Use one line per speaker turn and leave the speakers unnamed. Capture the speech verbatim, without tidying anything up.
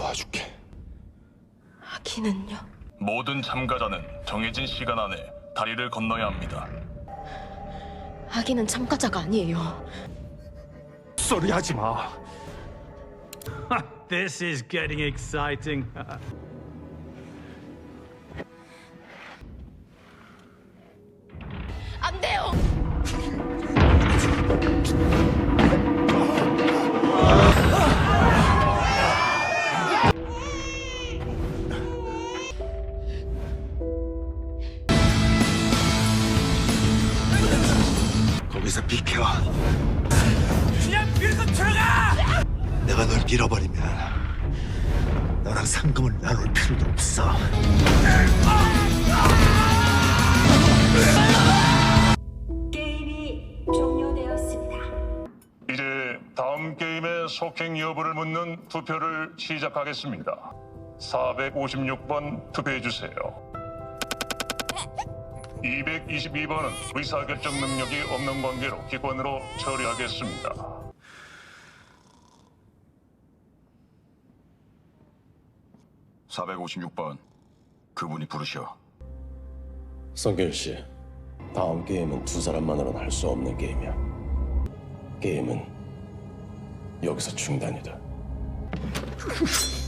도와줄게.
아기는요?
모든 참가자는 정해진 시간 안에 다리를 건너야 합니다.
아기는 참가자가 아니에요.
소리 하지 마.
This is getting exciting.
안 돼요!
거기서 비켜.
그냥 밀고 들어가!
내가 널 밀어버리면 너랑 상금을 나눌 필요도 없어.
게임이 종료되었습니다.
이제 다음 게임의 속행 여부를 묻는 투표를 시작하겠습니다. 사백오십육 번 투표해주세요. 이백이십이 번은 의사결정 능력이 없는 관계로 기권으로 처리하겠습니다.
사백오십육 번 그분이 부르셔.
성길 씨, 다음 게임은 두 사람만으로는 할 수 없는 게임이야. 게임은 여기서 중단이다.